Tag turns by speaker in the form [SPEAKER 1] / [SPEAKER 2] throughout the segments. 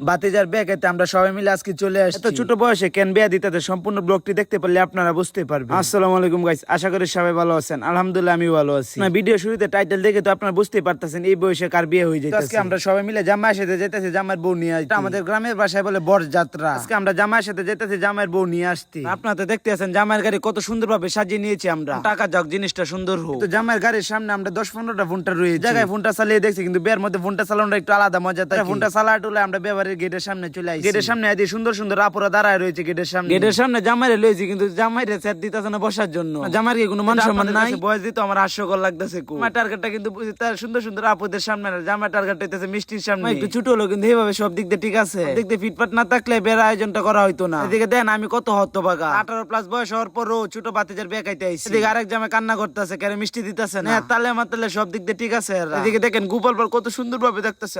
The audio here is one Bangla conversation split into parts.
[SPEAKER 1] বাতিজার বিয়ে খাইতে আমরা সবাই মিলে আজকে চলে আসছি। এত ছোট বয়সে কেন বিয়ে দিতে, সম্পূর্ণ ব্লগটি দেখতে পারলে আপনারা বুঝতে পারবেন। আসসালামু আলাইকুম গাইস, আশা করি সবাই ভালো আছেন। আলহামদুলিল্লাহ আমি ভালো আছি। না ভিডিও শুরুতে টাইটেল দেখে তো আপনারা বুঝতেই পারতেছেন এই বয়সে কার বিয়ে হয়ে যাচ্ছে। আজকে আমরা সবাই মিলে জামাইয়ের সাথে যেতেছি জামাইয়ের বউ নিয়ে আসতে। আমাদের গ্রামের ভাষায় বলে বরযাত্রা। আজকে আমরা জামাইয়ের সাথে যেতেছি জামাইয়ের বউ নিয়ে আসতে। আপনারা তো দেখতে আছেন জামাইয়ের গাড়ি কত সুন্দরভাবে সাজিয়ে নিয়েছি আমরা। টাকা যাক জিনিসটা সুন্দর হোক। তো জামাইয়ের গাড়ির সামনে আমরা 10-15টা ফোনটা রয়েছে। জায়গায় ফোনটা চালিয়ে দেখছি, কিন্তু বিয়ের মধ্যে ফোনটা চালানোটা একটু আলাদা মজা থাকে। ফোনটা চালায় টুলে আমরা বিয়েবাড়ির গেটের সামনে চলে আসি। গেটের সামনে এদি সুন্দর সুন্দর আপুরা দাঁড়ায় রয়েছে গেটের সামনে। গেটের সামনে জামাইরে লইছি, কিন্তু জামাইরে সেট দিতেছে না বসার জন্য। জামাইর কি কোনো মান সম্মান নাই? বয়স দিতে আমার হাস্যকর লাগতেছে। আমার টার্গেটটা কিন্তু তার সুন্দর সুন্দর আপুদের সামনে, জামাই টার্গেট হইতেছে মিষ্টির সামনে। একটু ছোট হলো কিন্তু এইভাবে সব দিক দিয়ে ঠিক আছে। দেখতে ফিটফাট না থাকলে বিয়ের আয়োজনটা করা হইতো না। এদিকে দেন আমি কত হতভাগা, 18+ বয়স হওয়ার পরও ছোট বাতিজার বিয়ে খাইতে আইছি। এদিকে আরেক জামাই কান্না করতেছে, কেন মিষ্টি দিতেছে না। তালে মাতালে সব দিক দিয়ে ঠিক আছে। এদিকে দেখেন গোপাল বল কত সুন্দর ভাবে দেখতেছে।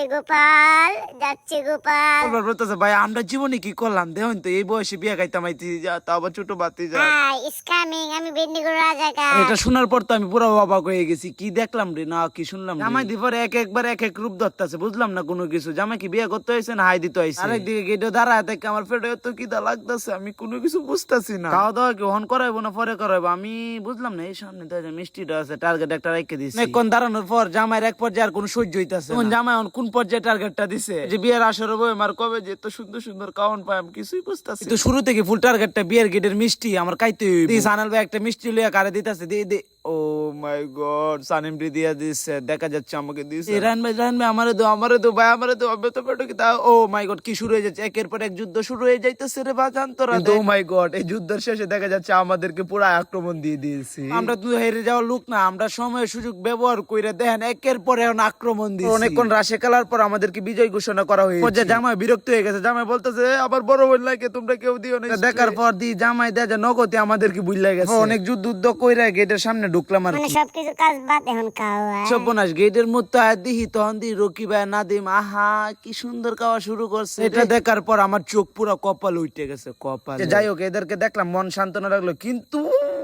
[SPEAKER 2] গোপাল যাচ্ছে গোপাল।
[SPEAKER 1] গোপাল বলতেছে ভাই আমরা জীবনে কি করলাম দেখুন তো, এই বয়সে বিয়ে খাইতাম আইছি, তা আবার ছোট বাতিজা।
[SPEAKER 2] ইজ কামিং, আমি বেন্ডিগুড় রাজাকা।
[SPEAKER 1] এটা শোনার পর তো আমি পুরো অবাক হয়ে গেছি। কি দেখলাম রে না কি শুনলাম। জামাই দি পরে একবার এক এক রূপ ধরতেছে, বুঝলাম না কোনো কিছু। জামাই কি বিয়ে করতে হয়েছে না হাই দিতে হয়েছে? আরেকদিকে গেটে দাঁড়ায় থেকে আমার পেটে এত কিদা লাগতেছে, আমি কোনো কিছু বুঝতেছি না। খাওয়া দাওয়া কি হন করাইবো না পরে করাইবো আমি বুঝলাম না। এই সামনে তো মিষ্টিটা আছে, টার্গেট একটা রেখে দিচ্ছে। অনেকক্ষণ দাঁড়ানোর পর জামাইয়ের এক পর্যায়ে আর কোনো সহ্য হইতাছে না। জামাই কোন পর্যায়ে টার্গেটটা দিছে যে বিয়ের আসর হবে আমার কবে যে এত সুন্দর সুন্দর কাউন পাই আমি কিছুই বুঝতেছি। তো শুরু থেকে ফুল টার্গেটটা বিয়ের গেটের মিষ্টি আমার খাইতে হইব। সানাল ভাই একটা মিষ্টি লইয়া কারে দিতেছে, দিয়ে দে। ও মাই গড, সানিম রি দিয়া দিছে, দেখা যাচ্ছে আমাকে দিছে। রান ভাই আমারে দো ভাই আমারে দো, আমি তো পেটো কি তা। ও মাই গড, কি শুরু হয়ে যাচ্ছে, একের পর এক যুদ্ধ শুরু হয়ে যাইতেছে রে বাজান তোরা। ও মাই গড, এই যুদ্ধের শেষে দেখা যাচ্ছে আমাদেরকে পুরো আক্রমণ দিয়ে দিয়েছি। আমরা তো হেরে যাওয়ার লোক না, আমরা সময় সুযোগ ব্যবহার কইরা দেখেন একের পর এখন আক্রমণ দিয়েছি। অনেকক্ষণ রাশে খেলার পর আমাদেরকে বিজয় ঘোষণা করা হয়েছে। জামাই বিরক্ত হয়ে গেছে, জামাই বলতেছে আবার বড় বোন লাগে তোমরা কেউ দিও না। দেখার পর দি জামাই দেয় যে নগদে আমাদেরকে বুঝলা গেছে। অনেক যুদ্ধ কইরা গেটের সামনে ঢুকলাম আর
[SPEAKER 2] মানে সবকিছু কাজ বাদ এখন খাওয়া।
[SPEAKER 1] সর্বনাশ, গেটের মধ্যে দিহি তখন দি রকি ভাই নাদিম আহা কি সুন্দর খাওয়া শুরু করছে। এটা দেখার পর আমার চোখ পুরো কপাল উঠে গেছে, কপাল। যাই হোক এদেরকে দেখলাম মন সান্ত্বনা লাগলো, কিন্তু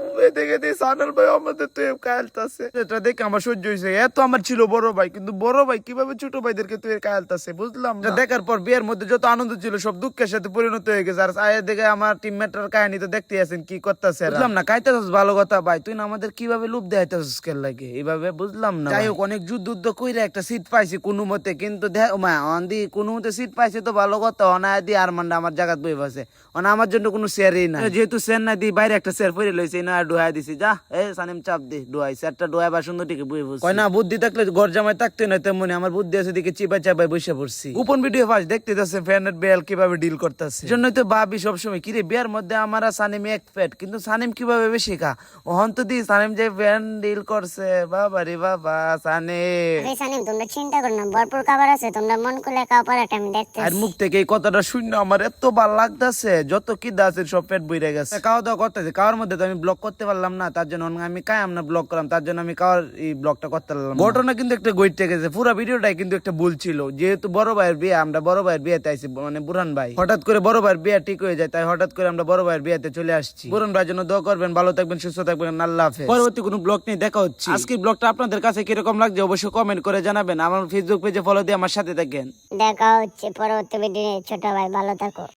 [SPEAKER 1] দেখার পর বিয়ের মধ্যে যত আনন্দ ছিল সব দুঃখের সাথে পরিণত হয়ে গেছে। আর দেখে আমার টিমমেটর কাহিনী তো দেখতে আছেন কি করতেছে। বুঝলাম না, খাইতেছিস ভালো কথা ভাই, তুই না আমাদের কিভাবে লুপ দেখাইতেছিস কেন লাগে এইভাবে, বুঝলাম না। যাই হোক অনেক যুদ্ধ কইরা একটা সিট পাইছি কোনো মতে, কিন্তু কোনো মতে সিট পাইছে তো ভালো কথা। অনায় দি আর মান্ডা আমার জায়গা বই বসে, আমার জন্য কোনো শেয়ারই না। যেহেতু শেয়ার না দি বাইরে একটা শেয়ার পরে লইছে না, ডুহাই দিছি। যা এ সানিম চাপ দে ডুহাই শেয়ারটা ডুহাই বা সুন্দর টিকে বই বসে। কয় না বুদ্ধি থাকলে ঘর জামাই থাকতে না, তেমনি আমার বুদ্ধি আছে দিকে চিপা চাপাই বসে পড়ছি। গোপন ভিডিও ফার্স্ট দেখতে যাচ্ছে ফ্যানের বেল কিভাবে ডিল করতেছে। জন্যই তো ভাবি সবসময় কিরে বিয়ার মধ্যে আমার সানিম এক ফ্যাট, কিন্তু সানিম কিভাবে বেশি খা। ওহন তো দি সানিম যে ফ্যান ডিল করছে, বাবা রে বাবা।
[SPEAKER 2] সানিম তোমরা চিন্তা করো না, ভরপুর খাবার আছে, তোমরা মন খুলে খাও, পরাটা আমি দেখতেছি।
[SPEAKER 1] আর মুখ থেকে এই কথাটা শুনে আমার এত ভালো লাগতেছে, যত কি আছে সব পেট বইরে গেছে। খাওয়া দাওয়া করতেছে, খাওয়ার মধ্যে তো আমি ব্লগ করতে পারলাম না, তার জন্য আমি আমরা ব্লগ করলাম, তার জন্য আমি খাওয়ার এই ব্লগটা করতে পারলাম। ঘটনা কিন্তু একটা গইটে গেছে, পুরো ভিডিওটাই কিন্তু একটা ভুল ছিল। যেহেতু বড় ভাইয়ের বিয়ে, আমরা বড় ভাইয়ের বিয়েতে আইছি, মানে বুরহান ভাই হঠাৎ করে বড় ভাইয়ের বিয়ে ঠিক হয়ে যায়, তাই হঠাৎ করে আমরা বড় ভাইয়ের বিয়েতে চলে আসছি। বুরহান ভাইয়ের জন্য দোয়া করবেন, ভালো থাকবেন, সুস্থ থাকবেন, আল্লাহ হাফেজ। পরবর্তী কোনো ব্লগ নিয়ে দেখা হচ্ছে। আজকের ব্লগটা আপনাদের কাছে কিরকম লাগছে অবশ্যই কমেন্ট করে জানাবেন। আমার ফেসবুক পেজে ফলো দিয়ে আমার সাথে থাকেন।
[SPEAKER 2] দেখা হচ্ছে পরবর্তী ভিডিও। ছোট ভাই ভালো থাকো।